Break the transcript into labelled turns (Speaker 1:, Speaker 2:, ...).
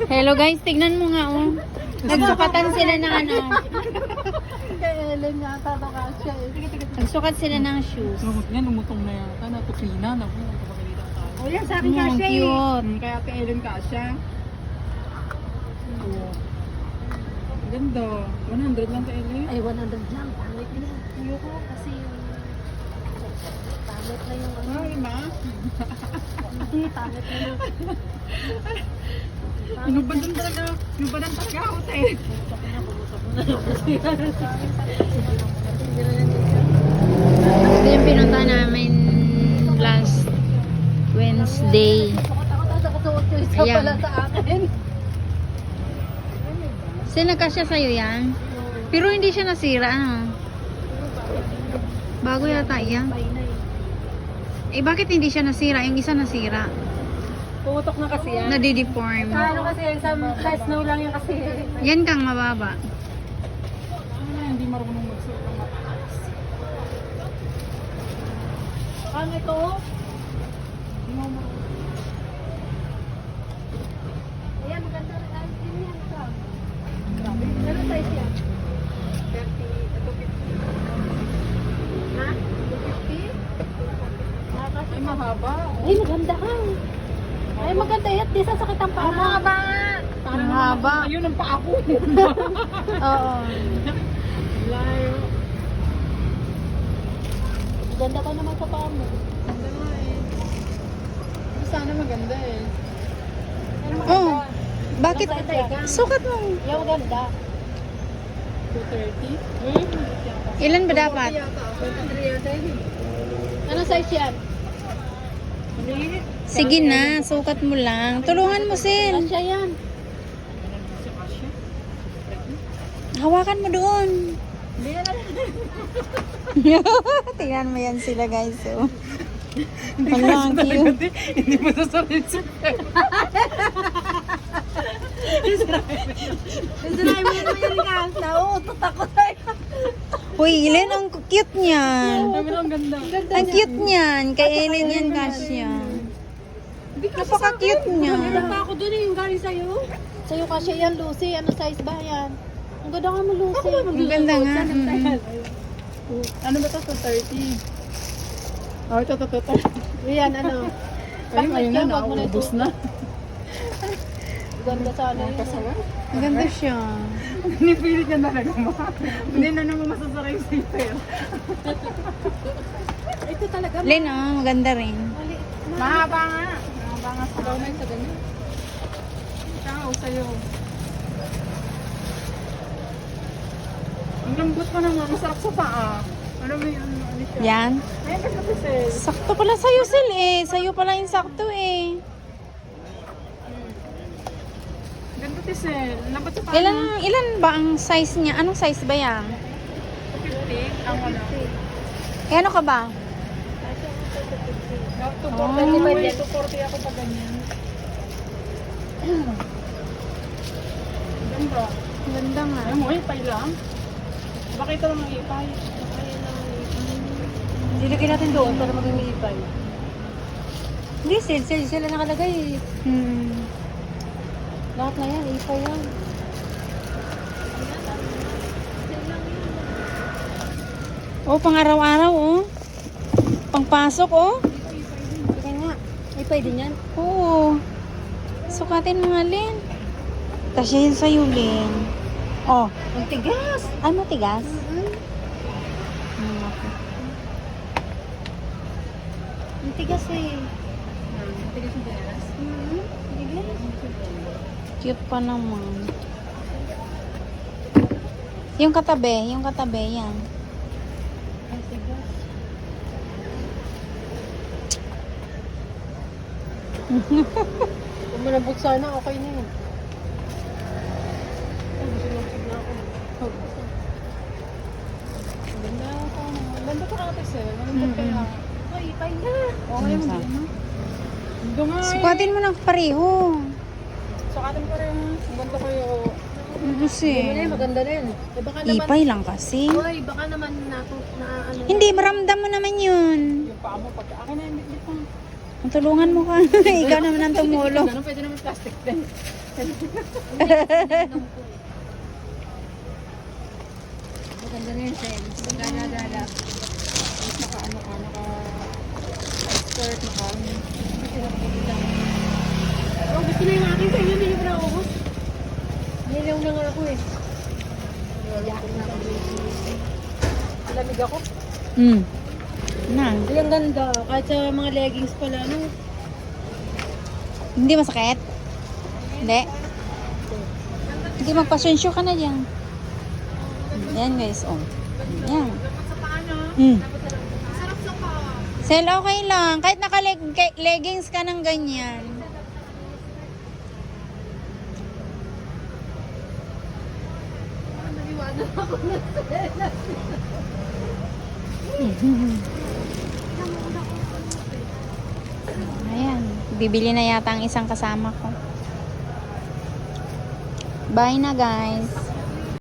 Speaker 1: Hello guys, tignan mo nga oh. Nagsukatan sila ng ano.
Speaker 2: Kay Ellen yata nakasya eh.
Speaker 1: Nagsukat sila ng shoes.
Speaker 3: Lumot niya, lumutong na yata. Natuklina na po. Kapagalitan tayo.
Speaker 2: O yan, sa akin kasya eh.
Speaker 1: Cute.
Speaker 2: Kaya kay Ellen kasya.
Speaker 3: Oo. Ganda. 100 lang kay Ellen.
Speaker 2: Ay, 100 lang. Pangit na. Ayoko kasi yung... Pangit na yung ano.
Speaker 3: Ay, ma.
Speaker 2: Hindi, pangit na yung...
Speaker 3: Inubadan talaga. Inubadan talaga ako tayo.
Speaker 1: Ito yung pinunta namin last Wednesday.
Speaker 2: Nakasuot yung isa
Speaker 1: Ayan.
Speaker 2: pala sa akin.
Speaker 1: Nagkasya sa'yo yan? Pero hindi siya nasira, ano? Bago yata yan. Eh, bakit hindi siya nasira? Yung isa nasira.
Speaker 2: Putok na kasi yan.
Speaker 1: Nadideform.
Speaker 2: Ano kasi yan, sa snow lang yan kasi.
Speaker 1: Yan kang mababa.
Speaker 3: Hindi marunong magsuot ng mataas.
Speaker 2: Ano ito?
Speaker 3: Hindi mo marunong.
Speaker 2: Ayan, maganda rin. Ay, yun yan ito. Grabe. Ano size yan? 30, ito 50. Ha? 250?
Speaker 3: Ay, mahaba.
Speaker 2: Ay, maganda ka. Ay, maganda yan. Di sasakit ang paa.
Speaker 1: Mahaba.
Speaker 3: Parang
Speaker 1: Ang haba.
Speaker 3: Ayun ang paa ko.
Speaker 1: Oo.
Speaker 3: Layo.
Speaker 2: Maganda ka naman sa paa mo.
Speaker 3: Ganda nga eh. Sana maganda eh.
Speaker 2: Ano
Speaker 1: Oh. Bakit? Sukat mo.
Speaker 2: Yung maganda.
Speaker 3: 230.
Speaker 1: Ilan ba dapat?
Speaker 3: Yata. 23 yata yun.
Speaker 2: Ano size yan?
Speaker 3: Maliit.
Speaker 1: Sige na, sukat mo lang. Tulungan mo, Sil.
Speaker 2: Asya yan.
Speaker 1: Hawakan mo doon.
Speaker 2: Hindi yan
Speaker 1: Tingnan mo yan sila, guys. Oh. Wala, ang cute.
Speaker 3: Hindi mo sasabihin sa
Speaker 2: Sinabi mo naman yan ka. Nauutot ako sa'yo.
Speaker 1: Uy, Ellen, ang cute niyan.
Speaker 3: Sabi lang ganda.
Speaker 1: Ang cute niyan. Kay Ellen yan, Kasya. Napaka-cute niya.
Speaker 2: Maganda pa ako dun eh, yung galing sa'yo. Sa'yo kasi yan, Lucy. Ano size ba yan? Ang ganda ka mo, Lucy.
Speaker 1: Ang ganda nga.
Speaker 3: Ano ba ito? 230. Oh, ito.
Speaker 2: Yan, ano.
Speaker 3: Ayun, ayun na,
Speaker 2: Wag mo na
Speaker 3: naubos
Speaker 2: ito.
Speaker 3: na.
Speaker 2: Ganda sana yun.
Speaker 3: Kasawa.
Speaker 1: Ang ganda siya.
Speaker 3: Pinipilit niya talaga ma. Hindi na naman masasakay sa ipero.
Speaker 2: Ito talaga.
Speaker 1: Len, oh, maganda rin.
Speaker 2: Maliit.
Speaker 3: Mahaba nga. Mahaba nga sa kamay sa ganyan. Ikaw, sa'yo. Ang lambot pa naman. Masarap sa paa. Ano mo yun? Ano siya?
Speaker 1: Yan.
Speaker 3: Ayan kasi kasi Sel.
Speaker 1: Sakto pala sa'yo, Sil, eh. Sa'yo pala yung sakto, eh.
Speaker 3: Ganda si Sel. Lambot sa paa.
Speaker 1: Ilan ba ang size niya? Anong size ba yan?
Speaker 3: 50. Ang wala.
Speaker 1: Eh, ano ka ba?
Speaker 3: To 40 to 40 ako pa ganyan. Ganda.
Speaker 1: Ang ganda nga.
Speaker 3: Ay mo, ipay lang. Bakit ito lang ang ipay?
Speaker 2: Silagay natin doon para maging ipay. Hindi, sila nakalagay.
Speaker 1: Hmm.
Speaker 2: Lahat na yan, ipay yan.
Speaker 1: Oh, pang araw-araw, oh. Pangpasok, oh.
Speaker 2: Kaya nga, ipay din yan.
Speaker 1: Oo. Sukatin mo nga, Len. Kasi yun sa'yo, Len. Oh.
Speaker 2: Ang tigas.
Speaker 1: Ay, matigas? Okay.
Speaker 2: Ang tigas eh.
Speaker 3: Tigas yung tigas.
Speaker 1: Cute pa naman. Yung katabi, yan.
Speaker 2: Ang tigas. Kung malambot sana, okay na yun. Ay, gusto na ako.
Speaker 3: Ganda ka. Ganda ka ate Sel. Ganda kaya.
Speaker 2: Ay, ipay na.
Speaker 3: Okay mo din. Ganda nga eh.
Speaker 1: Sukatin mo ng pareho.
Speaker 3: Sukatin ko rin. Ang ganda kayo.
Speaker 1: Kasi,
Speaker 2: Hindi na yun, maganda na yun. Eh, baka naman,
Speaker 1: ipay lang kasi.
Speaker 2: Uy, baka naman na ano.
Speaker 1: Hindi, maramdam mo naman yun.
Speaker 3: Yung paa mo pag akin na hindi pa.
Speaker 1: Tulungan mo ka. Ikaw naman ang tumulong.
Speaker 3: Ganun pwede naman plastic din.
Speaker 2: Maganda na yung sense. Magana-gala.
Speaker 3: Skirt,
Speaker 2: Oh, gusto na yung akin sa inyo. Hindi ko na ubos. Nilaw na nga ako eh.
Speaker 3: Lamig ako.
Speaker 1: Na.
Speaker 2: Ay, ang ganda. Kahit sa mga leggings pala, no?
Speaker 1: Hindi masakit? Hindi. Hindi, magpasensyo ka na dyan. Yan guys, oh. Yan. Sel, okay lang. Kahit naka-leggings ka ng ganyan. Ayan. Bibili na yata ang isang kasama ko. Bye na guys.